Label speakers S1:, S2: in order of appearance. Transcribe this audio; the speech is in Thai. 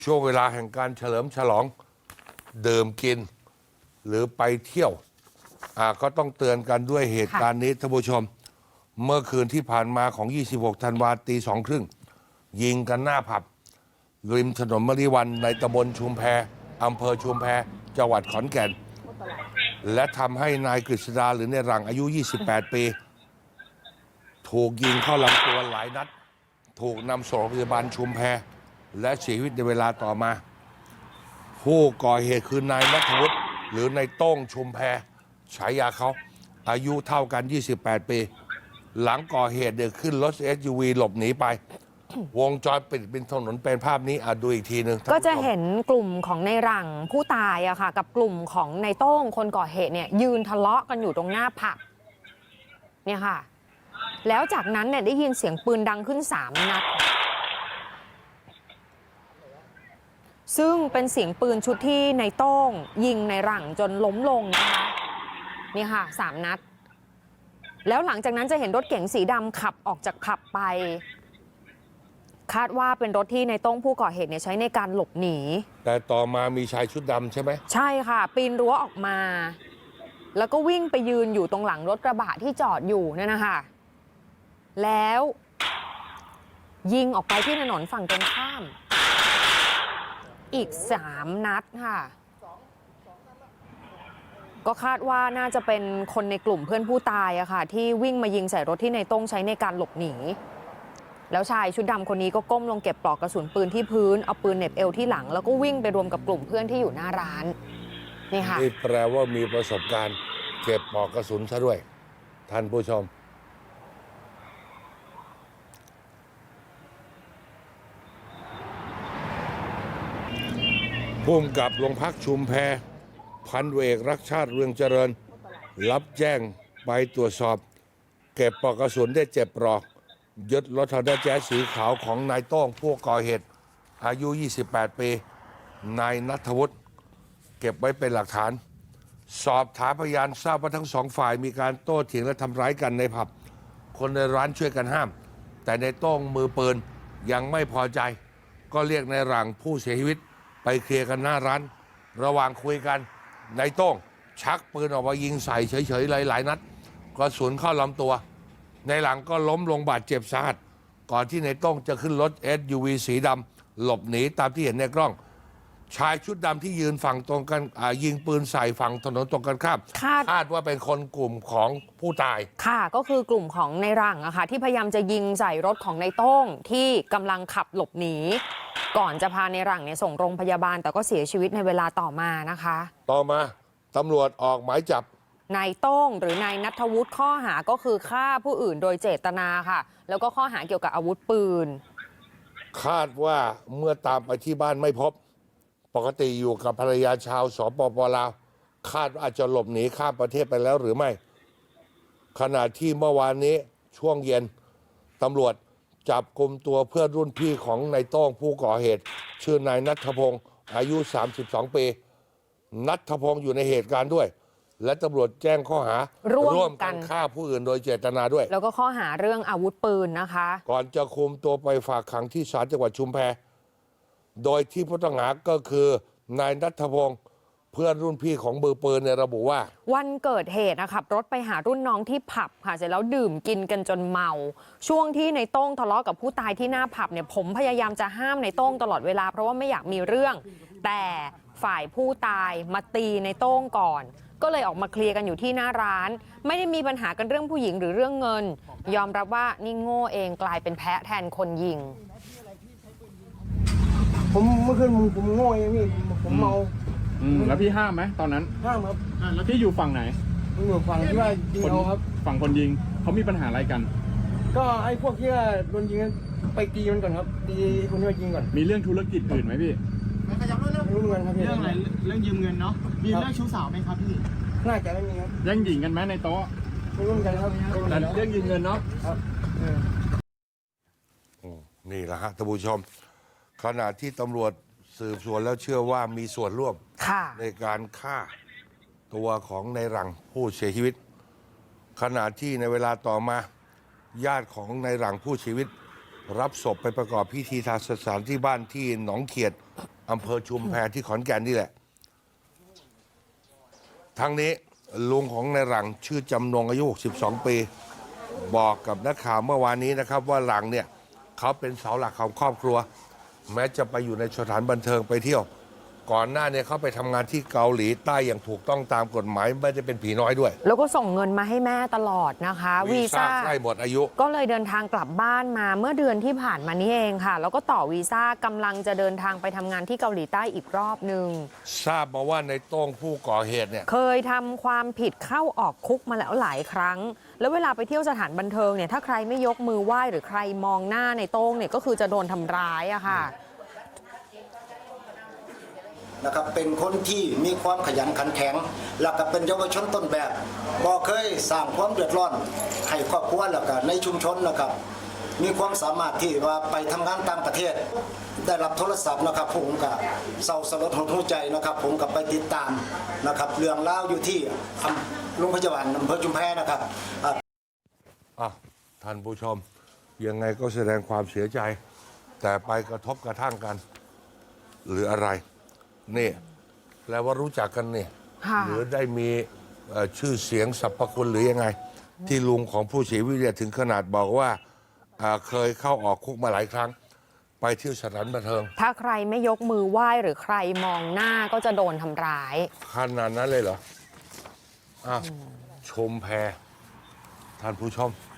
S1: ช่วงเวลาแห่งการเฉลิมฉลองดื่มกินหรือไปเที่ยวก็ต้องเตือนกันด้วยเหตุการณ์นี้ท่านผู้ชมเมื่อคืนที่ผ่านมาของ 26 ธันวาคม ตี 2:30 ยิงกันหน้าผับริมถนนมริวันในตำบลชุมแพอำเภอชุมแพจังหวัดขอนแก่นและทำให้นายกฤษดาหรือในหลังอายุ 28 ปี ถูกยิงเข้าลำตัวหลายนัดถูกนำส่งโรงพยาบาลชุมแพและเสียชีวิตในเวลาต่อมาผู้ก่อเหตุคือนายณัฐวุฒิหรือนายโต้งชุมแพฉายาเขาอายุเท่ากัน 28 ปีหลังก่อเหตุเดินขึ้นรถ SUV หลบหนีไปวงจรปิดเป็นถนนเป็นภาพนี้ดูอีกทีหนึ่ง
S2: ก็จะเห็นกลุ่มของในหลังผู้ตายอะค่ะกับกลุ่มของในโต้งคนก่อเหตุเนี่ยยืนทะเลาะกันอยู่ตรงหน้าผับเนี่ยค่ะแล้วจากนั้นเนี่ยได้ยินเสียงปืนดังขึ้น3 นัดซึ่งเป็นเสียงปืนชุดที่ในโต้งยิงในหลังจนล้มลงนะคะนี่ค่ะ3 นัดแล้วหลังจากนั้นจะเห็นรถเก๋งสีดำขับออกจากผับไปคาดว่าเป็นรถที่ในโต้งผู้ก่อเหตุเนี่ยใช้ในการหลบหนี
S1: แต่ต่อมามีชายชุดดำใช่ไหม
S2: ใช่ค่ะปีนรั้วออกมาแล้วก็วิ่งไปยืนอยู่ตรงหลังรถกระบะที่จอดอยู่นั่นนะคะแล้วยิงออกไปที่ถนนฝั่งตรงข้ามอีก3 นัดค่ะก็คาดว่าน่าจะเป็นคนในกลุ่มเพื่อนผู้ตายอะค่ะที่วิ่งมายิงใส่รถที่ในโต้งใช้ในการหลบหนีแล้วชายชุดดำคนนี้ก็ก้มลงเก็บปลอกกระสุนปืนที่พื้นเอาปืนเหน็บเอวที่หลังแล้วก็วิ่งไปรวมกับกลุ่มเพื่อนที่อยู่หน้าร้านนี่ค่ะ
S1: นี่แปลว่ามีประสบการณ์เก็บปลอกกระสุนซะด้วยท่านผู้ชมผู้กำกับโรงพักชุมแพพันเอกรักชาติเรืองเจริญรับแจ้งไปตรวจสอบเก็บปลอกกระสุนได้7 ปลอกยึดรถฮอนด้าแจ๊สสีขาวของนายโต้งผู้ก่อเหตุอายุ 28 ปีนายณัฐวุฒิเก็บไว้เป็นหลักฐานสอบถามพยานทราบว่าทั้งสองฝ่ายมีการโต้เถียงและทำร้ายกันในผับคนในร้านช่วยกันห้ามแต่ในโต้งมือปืนยังไม่พอใจก็เรียกในหลังผู้เสียชีวิตไปเคลียร์กันหน้าร้านระหว่างคุยกันในโต้งชักปืนออกมายิงใส่เฉยๆหลายนัดกระสุนเข้าลำตัวในหลังก็ล้มลงบาดเจ็บสาหัสก่อนที่ในโต้งจะขึ้นรถ SUV สีดำหลบหนีตามที่เห็นในกล้องชายชุดดำที่ยืนฝั่งตรงกันยิงปืนใส่ฝั่งถนนตรงกันข้ามคาดว่าเป็นคนกลุ่มของผู้ตาย
S2: ค่ะก็คือกลุ่มของในหลังอะค่ะที่พยายามจะยิงใส่รถของในโต้งที่กำลังขับหลบหนีก่อนจะพาในหลังเนี่ยส่งโรงพยาบาลแต่ก็เสียชีวิตในเวลาต่อมานะคะ
S1: ต่อมาตำรวจออกหมายจับ
S2: นายโต้งหรือนายณัฐวุฒิข้อหาก็คือฆ่าผู้อื่นโดยเจตนาค่ะแล้วก็ข้อหาเกี่ยวกับอาวุธปืน
S1: คาดว่าเมื่อตามไปที่บ้านไม่พบปกติอยู่กับภรรยาชาวสปป.ลาวคาดว่าอาจจะหลบหนีข้ามประเทศไปแล้วหรือไม่ขณะที่เมื่อวานนี้ช่วงเย็นตำรวจจับกุมตัวเพื่อนรุ่นพี่ของนายโต้งผู้ก่อเหตุชื่อนายณัฐพงศ์อายุ 32 ปีณัฐพงศ์อยู่ในเหตุการณ์ด้วยและตำรวจแจ้งข้อหาร่วมกันฆ่าผู้อื่นโดยเจตนาด้วย
S2: แล้วก็ข้อหาเรื่องอาวุธปืนนะคะ
S1: ก่อนจะคุมตัวไปฝากขังที่ศาลจังหวัดชุมแพโดยที่ผู้ต้องหาก็คือนายณัฐพงศ์เพื่อนรุ่นพี่ของมือปืนเนี่ยระบุว่า
S2: วันเกิดเหตุขับรถไปหารุ่นน้องที่ผับค่ะเสร็จแล้วดื่มกินกันจนเมาช่วงที่ในโต้งทะเลาะกับผู้ตายที่หน้าผับเนี่ยผมพยายามจะห้ามในโต้งตลอดเวลาเพราะว่าไม่อยากมีเรื่องแต่ฝ่ายผู้ตายมาตีในโต้งก่อนก็เลยออกมาเคลียร์กันอยู่ที่หน้าร้านไม่ได้มีปัญหากันเรื่องผู้หญิงหรือเรื่องเงินยอมรับว่านี่โง่เองกลายเป็นแพะแทนคนยิง
S3: ผมเมื่อคืนผมโง่เองพี่ผมเมา
S4: แล้วพี่ห้ามไหมตอนนั้น
S3: ห้ามครับ
S4: แล้วพี่อยู่ฝั่งไหน
S3: ผมอยู่ฝั่งที่ว่ายิงเอาครับ
S4: ฝั่งคนยิงเขามีปัญหาอะไรกัน
S3: ก็ไอ้พวกที่ว่าโดนยิงไปตีมันก่อนครับตีคนที่ว่ายิงก่อน
S4: มีเรื่องธุรกิจอื่นไหมพี่
S3: ไม่ขยับเรื่องเงินครับพี่
S5: เรื่องอะไรเรื่องยืมเงินเนาะมีเรื่องชู้สาวไหมครับพี่
S3: น่าจะไม่มีครับ
S4: แย่งหญิงกันไหมในโต๊ะ
S3: ไม่รู้กันครับ
S4: แต่เรื่องยืมเงินเนาะ
S3: ครับ
S1: นี่แหละฮะท่านผู้ชมขณะที่ตำรวจสืบสวนแล้วเชื่อว่ามีส่วนร่วมในการฆ่าตัวของในหลังผู้เสียชีวิตขณะที่ในเวลาต่อมาญาติของในหลังผู้เสียชีวิตรับศพไปประกอบพิธีทางศาสนาที่บ้านที่หนองเขียดอำเภอชุมแพที่ขอนแก่นนี่แหละทั้งนี้ลุงของนายหลังชื่อจำนงอายุ62 ปีบอกกับนักข่าวเมื่อวานนี้นะครับว่าหลังเนี่ยเขาเป็นเสาหลักของครอบครัวแม้จะไปอยู่ในสถานบันเทิงไปเที่ยวก่อนหน้าเนี่ยเขาไปทำงานที่เกาหลีใต้อย่างถูกต้องตามกฎหมายไม่ได้เป็นผีน้อยด้วย
S2: แล้วก็ส่งเงินมาให้แม่ตลอดนะคะวีซ่า
S1: ใกล้หมดอายุ
S2: ก็เลยเดินทางกลับบ้านมาเมื่อเดือนที่ผ่านมานี้เองค่ะแล้วก็ต่อวีซ่ากำลังจะเดินทางไปทำงานที่เกาหลีใต้อีกรอบหนึ่ง
S1: ทราบมาว่าในโต้งผู้ก่อเหตุเนี่ย
S2: เคยทำความผิดเข้าออกคุกมาแล้วหลายครั้งแล้วเวลาไปเที่ยวสถานบันเทิงเนี่ยถ้าใครไม่ยกมือไหว้หรือใครมองหน้าในโต้งเนี่ยก็คือจะโดนทำร้ายอะค่ะ
S6: นะครับเป็นคนที่มีความขยันขันแข็งแล้วก็เป็นเยาวชนต้นแบบบ่เคยสร้างความเดือดร้อนให้ครอบครัวแล้วก็ในชุมชนนะครับมีความสามารถที่ว่าไปทำงานต่างประเทศได้รับโทรศัพท์นะครับผมก็เศร้าสลดหดหู่ใจนะครับผมก็ไปติดตามนะครับเรื่องราวอยู่ที่โรงพยาบาลอำเภอชุมแพนะครับ
S1: ท่านผู้ชมยังไงก็แสดงความเสียใจแต่ไปกระทบกระทั่งกันหรืออะไรนี่แปลว่ารู้จักกันนี่หรือได้มีชื่อเสียงสรรพคุณหรือยังไงที่ลุงของผู้เสียชีวิตถึงขนาดบอกว่าเคยเข้าออกคุกมาหลายครั้งไปเที่ยวสถานบันเทิง
S2: ถ้าใครไม่ยกมือไหว้หรือใครมองหน้าก็จะโดนทำร้าย
S1: ขนาดนั้นเลยเหรอชมแพท่านผู้ชม